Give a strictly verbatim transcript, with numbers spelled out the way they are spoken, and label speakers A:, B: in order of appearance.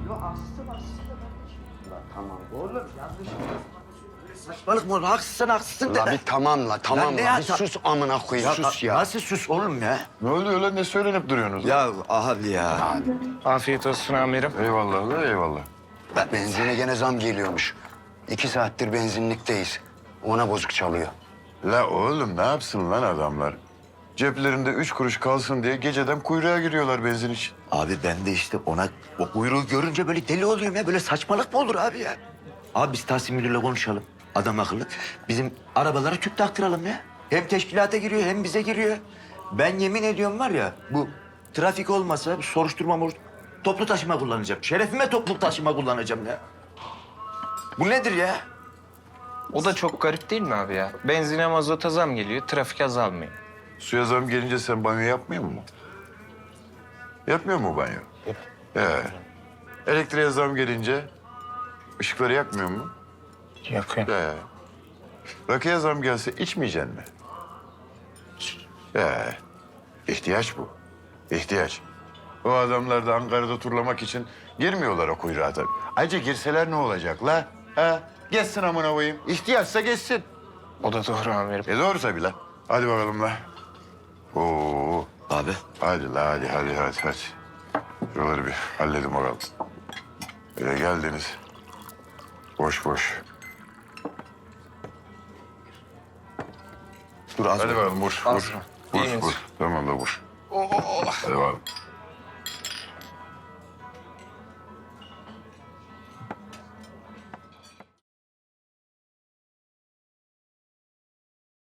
A: Yok haksızsın haksızsın da kardeşim.
B: La tamam.
A: Oğlum yanlış. Saçmalık mı olur? Haksızsın haksızsın
B: La
A: da.
B: bir tamam la tamam
A: Lan ne
B: la.
A: ya?
B: Bir sus amına koyayım sus ya.
A: Nasıl sus oğlum ya?
C: Ne oluyor lan? Ne söylenip duruyorsunuz?
A: Ya abi ya.
D: Afiyet olsun amirim.
C: Eyvallah la eyvallah.
B: Bak benzine gene zam geliyormuş. İki saattir benzinlikteyiz. Ona bozuk çalıyor.
C: La oğlum ne yapsın lan adamlar? Ceplerinde üç kuruş kalsın diye geceden kuyruğa giriyorlar benzin için.
A: Abi ben de işte ona o kuyruğu görünce böyle deli oluyorum ya. Böyle saçmalık mı olur abi ya? Abi biz Tahsin Müdür'le konuşalım. Adam akıllı. Bizim arabalara tüp taktıralım ya. Hem teşkilata giriyor hem bize giriyor. Ben yemin ediyorum var ya bu trafik olmasa bir soruşturma mor toplu taşıma kullanacağım. Şerefime toplu taşıma kullanacağım ya. Bu nedir ya?
D: O da çok garip değil mi abi ya? Benzine mazota zam geliyor, trafik azalmıyor.
C: Suya zam gelince sen banyo yapmıyor musun? Yapmıyor mu banyo? Ee, elektriğe zam gelince ışıkları yakmıyor mu?
D: Yakıyor.
C: Ee, rakıya zam gelse içmeyeceksin mi? Ee, ihtiyaç bu. İhtiyaç. O adamlar da Ankara'da turlamak için girmiyorlar o kuyruğa tabii. Ayrıca girseler ne olacak la? Ha? Geçsin amına koyayım. İhtiyaçsa geçsin.
D: O da doğru amirim.
C: E doğru tabii la. Hadi bakalım la. Oo.
A: Abi
C: Hadi la hadi hadi hadi hadi. Şuraları bir halledin bakalım. Öyle geldiniz. Boş boş.
A: dur az
C: Hadi
A: dur.
C: bakalım vur
D: Az
C: vur.
D: mı?
C: Vur
D: İyi miyiz?
C: vur. Tamam da vur. Hadi bakalım.